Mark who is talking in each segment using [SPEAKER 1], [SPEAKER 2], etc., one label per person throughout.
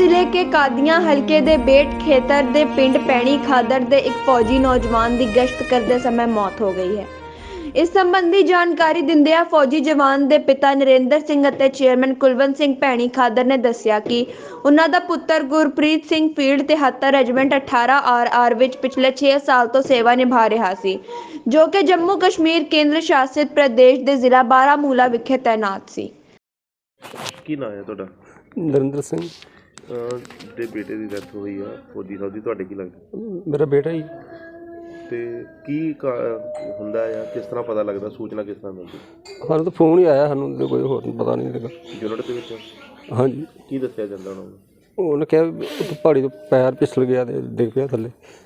[SPEAKER 1] ਜ਼ਿਲ੍ਹੇ ਕੇ ਕਾਦੀਆਂ ਹਲਕੇ ਦੇ ਬੇਟ ਖੇਤਰ ਦੇ ਪਿੰਡ ਪੈਣੀ ਖਾਦਰ ਦੇ ਇੱਕ ਫੌਜੀ ਨੌਜਵਾਨ ਦੀ ਗਸ਼ਤ ਕਰਦੇ ਸਮੇਂ ਮੌਤ ਹੋ ਗਈ ਹੈ। ਇਸ ਸੰਬੰਧੀ ਜਾਣਕਾਰੀ ਦਿੰਦਿਆਂ ਫੌਜੀ ਜਵਾਨ ਦੇ ਪਿਤਾ ਨਰਿੰਦਰ ਸਿੰਘ ਅਤੇ ਚੇਅਰਮੈਨ ਕੁਲਵੰਤ ਸਿੰਘ ਪੈਣੀ ਖਾਦਰ ਨੇ ਦੱਸਿਆ ਕਿ ਉਹਨਾਂ ਦਾ ਪੁੱਤਰ Gurpreet Singh field 73 regiment 18 RR ਵਿੱਚ ਪਿਛਲੇ 6 ਸਾਲ ਤੋਂ ਸੇਵਾ ਨਿਭਾ ਰਿਹਾ ਸੀ, ਜੋ ਕਿ ਜੰਮੂ ਕਸ਼ਮੀਰ ਕੇਂਦਰ ਸ਼ਾਸਿਤ ਪ੍ਰਦੇਸ਼ ਦੇ ਜ਼ਿਲ੍ਹਾ ਬਾਰਾਮੂਲਾ ਵਿਖੇ ਤੈਨਾਤ ਸੀ।
[SPEAKER 2] ਕੀ ਨਾਂ ਹੈ ਤੁਹਾਡਾ?
[SPEAKER 3] ਨਰਿੰਦਰ ਸਿੰਘ।
[SPEAKER 2] ਦੇ ਬੇਟੇ ਦੀ ਡੈਥ ਹੋਈ ਆ ਫੌਜੀ ਸਾਹਿਬ ਦੀ, ਤੁਹਾਡੇ ਕੀ ਲੱਗਦਾ?
[SPEAKER 3] ਮੇਰਾ ਬੇਟਾ ਜੀ।
[SPEAKER 2] ਤੇ ਕੀ ਹੁੰਦਾ ਆ, ਕਿਸ ਤਰ੍ਹਾਂ ਪਤਾ ਲੱਗਦਾ, ਸੂਚਨਾ ਕਿਸ ਤਰ੍ਹਾਂ ਮਿਲਦੀ?
[SPEAKER 3] ਸਾਨੂੰ ਤਾਂ ਫੋਨ ਹੀ ਆਇਆ, ਸਾਨੂੰ ਤਾਂ ਕੋਈ ਹੋਰ ਪਤਾ ਨਹੀਂ ਲੱਗਾ।
[SPEAKER 2] ਯੂਨਿਟ ਦੇ ਵਿੱਚ?
[SPEAKER 3] ਹਾਂਜੀ।
[SPEAKER 2] ਕੀ ਦੱਸਿਆ ਜਾਂਦਾ ਉਹਨਾਂ ਨੂੰ?
[SPEAKER 3] ਉਹਨੇ ਕਿਹਾ ਵੀ ਪਹਾੜੀ ਤੋਂ ਪੈਰ ਫਿਸਲ ਗਿਆ ਤੇ ਡਿੱਗ ਪਿਆ ਥੱਲੇ।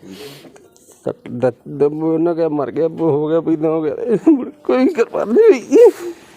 [SPEAKER 3] ਉਹਨਾਂ ਕਿਹਾ ਮਰ ਗਿਆ, ਹੋ ਗਿਆ, ਪੀਦਾ ਹੋ ਗਿਆ, ਕੋਈ ਕਰਵਾ ਨਹੀਂ ਹੋਈ।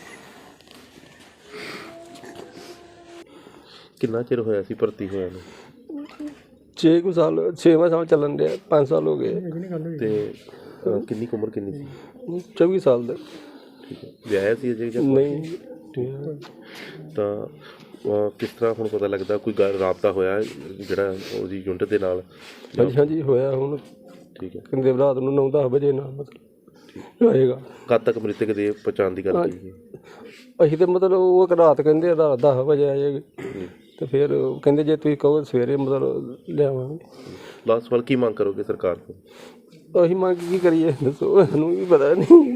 [SPEAKER 2] ਕਿੰਨਾ ਚਿਰ ਹੋਇਆ ਸੀ ਭਰਤੀ ਹੋਇਆ ਨੂੰ?
[SPEAKER 3] 6 ਸਾਲ 6ਵਾਂ ਸਾਲ ਚੱਲਣ ਡਿਆ, 5 ਸਾਲ ਹੋ ਗਏ।
[SPEAKER 2] ਤੇ ਕਿੰਨੀ ਕੁ ਉਮਰ ਕਿੰਨੀ ਸੀ?
[SPEAKER 3] 24 ਸਾਲ ਦਾ।
[SPEAKER 2] ਠੀਕ ਹੈ। ਵਿਆਹਿਆ ਸੀ ਅਜੇ ਜਾਂ
[SPEAKER 3] ਨਹੀਂ?
[SPEAKER 2] ਤਾਂ ਕਿਸ ਤਰ੍ਹਾਂ ਹੁਣ ਪਤਾ ਲੱਗਦਾ, ਕੋਈ ਰਾਬਤਾ ਹੋਇਆ ਜਿਹੜਾ ਉਹਦੀ ਯੂਨਿਟ ਦੇ ਨਾਲ?
[SPEAKER 3] ਹਾਂਜੀ ਹਾਂਜੀ ਹੋਇਆ ਹੁਣ।
[SPEAKER 2] ਠੀਕ ਹੈ।
[SPEAKER 3] ਕਹਿੰਦੇ ਰਾਤ ਨੂੰ 9-10 ਵਜੇ ਨਾਲ ਮਤਲਬ ਆਏਗਾ।
[SPEAKER 2] ਕਦ ਤੱਕ ਮ੍ਰਿਤਕ ਦੇ ਪਛਾਣ ਦੀ ਗੱਲ ਕੀਤੀ?
[SPEAKER 3] ਅਸੀਂ ਤਾਂ ਮਤਲਬ ਉਹ ਰਾਤ ਕਹਿੰਦੇ ਰਾਤ 10 ਵਜੇ ਆ ਜਾਏਗੀ, ਤੇ ਫਿਰ ਕਹਿੰਦੇ ਜੇ ਤੁਸੀਂ ਕਹੋ ਸਵੇਰੇ ਮਤਲਬ ਲਿਆਵਾਂਗੇ।
[SPEAKER 2] ਲਾਸਟ ਸਵਾਲ, ਕੀ ਮੰਗ ਕਰੋਗੇ ਸਰਕਾਰ ਤੋਂ?
[SPEAKER 3] ਅਸੀਂ ਮੰਗ ਕੀ ਕਰੀਏ ਦੱਸੋ, ਸਾਨੂੰ ਵੀ ਪਤਾ ਨਹੀਂ।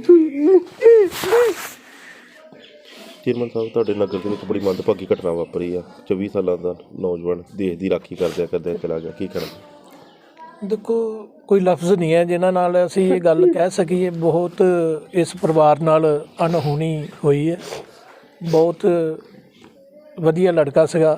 [SPEAKER 2] ਚੇਅਰਮੈਨ ਸਾਹਿਬ, ਤੁਹਾਡੇ ਨਗਰ ਦੇ ਵਿੱਚ ਬੜੀ ਮੰਦਭਾਗੀ ਘਟਨਾ ਵਾਪਰੀ ਆ। 24 ਸਾਲਾਂ ਦਾ ਨੌਜਵਾਨ ਦੇਸ਼ ਦੀ ਰਾਖੀ ਕਰਦਿਆਂ ਚਲਾ ਗਿਆ, ਕੀ ਕਰਨਾ?
[SPEAKER 4] ਦੇਖੋ, ਕੋਈ ਲਫ਼ਜ਼ ਨਹੀਂ ਹੈ ਜਿਨ੍ਹਾਂ ਨਾਲ ਅਸੀਂ ਇਹ ਗੱਲ ਕਹਿ ਸਕੀਏ। ਬਹੁਤ ਇਸ ਪਰਿਵਾਰ ਨਾਲ ਅਣਹੋਣੀ ਹੋਈ ਹੈ। ਬਹੁਤ ਵਧੀਆ ਲੜਕਾ ਸੀਗਾ,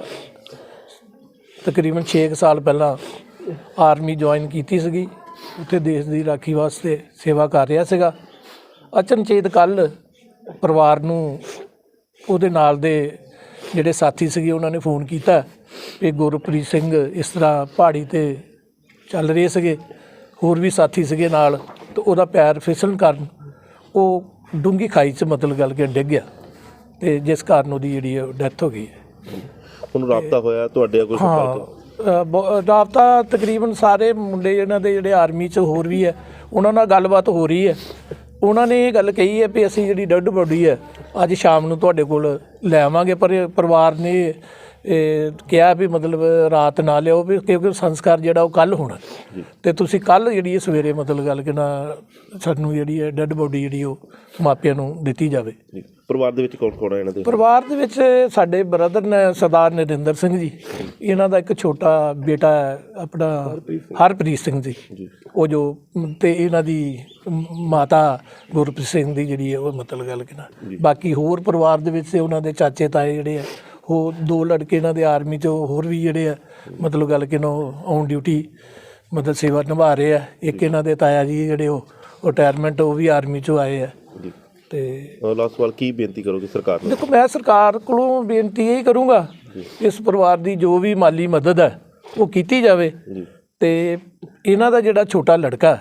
[SPEAKER 4] ਤਕਰੀਬਨ 6 ਸਾਲ ਪਹਿਲਾਂ ਆਰਮੀ ਜੁਆਇਨ ਕੀਤੀ ਸੀਗੀ, ਉੱਥੇ ਦੇਸ਼ ਦੀ ਰਾਖੀ ਵਾਸਤੇ ਸੇਵਾ ਕਰ ਰਿਹਾ ਸੀਗਾ। ਅਚਨਚੇਤ ਕੱਲ੍ਹ ਪਰਿਵਾਰ ਨੂੰ ਉਹਦੇ ਨਾਲ ਦੇ ਜਿਹੜੇ ਸਾਥੀ ਸੀਗੇ ਉਹਨਾਂ ਨੇ ਫੋਨ ਕੀਤਾ ਕਿ ਗੁਰਪ੍ਰੀਤ ਸਿੰਘ ਇਸ ਤਰ੍ਹਾਂ ਪਹਾੜੀ 'ਤੇ ਚੱਲ ਰਹੇ ਸੀਗੇ, ਹੋਰ ਵੀ ਸਾਥੀ ਸੀਗੇ ਨਾਲ, ਅਤੇ ਉਹਦਾ ਪੈਰ ਫਿਸਲਣ ਕਾਰਨ ਉਹ ਡੂੰਘੀ ਖਾਈ 'ਚ ਮਤਲਬ ਗੱਲ ਕੇ ਡਿੱਗ ਗਿਆ, ਅਤੇ ਜਿਸ ਕਾਰਨ ਉਹਦੀ ਜਿਹੜੀ ਡੈਥ ਹੋ ਗਈ ਹੈ।
[SPEAKER 2] ਹੁਣ ਰਾਬਤਾ ਹੋਇਆ ਤੁਹਾਡੇ ਕੋਈ?
[SPEAKER 4] ਹਾਂ, ਰਾਬਤਾ ਤਕਰੀਬਨ ਸਾਰੇ ਮੁੰਡੇ ਇਹਨਾਂ ਦੇ ਜਿਹੜੇ ਆਰਮੀ 'ਚ ਹੋਰ ਵੀ ਹੈ, ਉਹਨਾਂ ਨਾਲ ਗੱਲਬਾਤ ਹੋ ਰਹੀ ਹੈ। ਉਹਨਾਂ ਨੇ ਇਹ ਗੱਲ ਕਹੀ ਹੈ ਵੀ ਅਸੀਂ ਜਿਹੜੀ ਡੈੱਡ ਬੋਡੀ ਹੈ ਅੱਜ ਸ਼ਾਮ ਨੂੰ ਤੁਹਾਡੇ ਕੋਲ ਲੈ ਆਵਾਂਗੇ, ਪਰ ਪਰਿਵਾਰ ਨੇ ਕਿਹਾ ਵੀ ਮਤਲਬ ਰਾਤ ਨਾ ਲਿਆਓ, ਵੀ ਕਿਉਂਕਿ ਸੰਸਕਾਰ ਜਿਹੜਾ ਉਹ ਕੱਲ੍ਹ ਹੋਣਾ, ਅਤੇ ਤੁਸੀਂ ਕੱਲ੍ਹ ਜਿਹੜੀ ਸਵੇਰੇ ਮਤਲਬ ਗੱਲ ਕਿ ਨਾ ਸਾਨੂੰ ਜਿਹੜੀ ਹੈ ਡੈੱਡ ਬੋਡੀ ਜਿਹੜੀ ਉਹ ਮਾਪਿਆਂ ਨੂੰ ਦਿੱਤੀ ਜਾਵੇ।
[SPEAKER 2] ਪਰਿਵਾਰ ਦੇ ਵਿੱਚ ਕੌਣ ਕੌਣ ਹੈ ਇਹਨਾਂ ਦੇ?
[SPEAKER 4] ਪਰਿਵਾਰ ਦੇ ਵਿੱਚ ਸਾਡੇ ਬ੍ਰਦਰ ਨੇ ਸਰਦਾਰ ਨਰਿੰਦਰ ਸਿੰਘ ਜੀ, ਇਹਨਾਂ ਦਾ ਇੱਕ ਛੋਟਾ ਬੇਟਾ ਹੈ ਆਪਣਾ ਹਰਪ੍ਰੀਤ ਸਿੰਘ ਜੀ, ਉਹ ਜੋ, ਅਤੇ ਇਹਨਾਂ ਦੀ ਮਾਤਾ ਗੁਰਪ੍ਰੀਤ ਸਿੰਘ ਦੀ ਜਿਹੜੀ ਹੈ ਉਹ ਮਤਲਬ ਗੱਲ ਕਿ ਨਾ। ਬਾਕੀ ਹੋਰ ਪਰਿਵਾਰ ਦੇ ਵਿੱਚ ਉਹਨਾਂ ਦੇ ਚਾਚੇ ਤਾਏ ਜਿਹੜੇ ਆ, ਉਹ 2 ਲੜਕੇ ਇਹਨਾਂ ਦੇ ਆਰਮੀ 'ਚ ਹੋਰ ਵੀ ਜਿਹੜੇ ਆ ਮਤਲਬ ਗੱਲ ਕਿ ਨਾ ਔਨ ਡਿਊਟੀ ਮਤਲਬ ਸੇਵਾ ਨਿਭਾ ਰਹੇ ਆ। ਇੱਕ ਇਹਨਾਂ ਦੇ ਤਾਇਆ ਜੀ ਜਿਹੜੇ ਉਹ ਰਿਟਾਇਰਮੈਂਟ, ਉਹ ਵੀ ਆਰਮੀ 'ਚੋਂ ਆਏ ਆ। ਤੇ
[SPEAKER 2] ਲਾਸਟ ਸਵਾਲ, ਕੀ ਬੇਨਤੀ ਕਰੋਗੇ ਸਰਕਾਰ ਨੂੰ?
[SPEAKER 4] ਦੇਖੋ, ਮੈਂ ਸਰਕਾਰ ਕੋਲੋਂ ਬੇਨਤੀ ਇਹ ਕਰੂੰਗਾ ਇਸ ਪਰਿਵਾਰ ਦੀ ਜੋ ਵੀ ਮਾਲੀ ਮਦਦ ਹੈ ਉਹ ਕੀਤੀ ਜਾਵੇ, ਅਤੇ ਇਹਨਾਂ ਦਾ ਜਿਹੜਾ ਛੋਟਾ ਲੜਕਾ,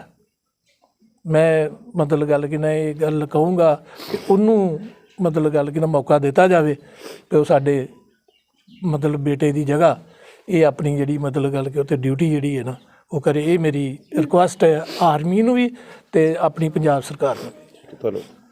[SPEAKER 4] ਮੈਂ ਮਤਲਬ ਗੱਲ ਕਿ ਨਾ ਇਹ ਗੱਲ ਕਹੂੰਗਾ ਕਿ ਉਹਨੂੰ ਮਤਲਬ ਗੱਲ ਕਿ ਨਾ ਮੌਕਾ ਦਿੱਤਾ ਜਾਵੇ ਕਿ ਉਹ ਸਾਡੇ ਮਤਲਬ ਬੇਟੇ ਦੀ ਜਗ੍ਹਾ ਇਹ ਆਪਣੀ ਜਿਹੜੀ ਮਤਲਬ ਗੱਲ ਕਿ ਉੱਥੇ ਡਿਊਟੀ ਜਿਹੜੀ ਹੈ ਨਾ ਉਹ ਕਰੇ। ਇਹ ਮੇਰੀ ਰਿਕੁਐਸਟ ਹੈ ਆਰਮੀ ਨੂੰ ਵੀ ਅਤੇ ਆਪਣੀ ਪੰਜਾਬ ਸਰਕਾਰ ਨੂੰ।
[SPEAKER 2] ਤੁਹਾਨੂੰ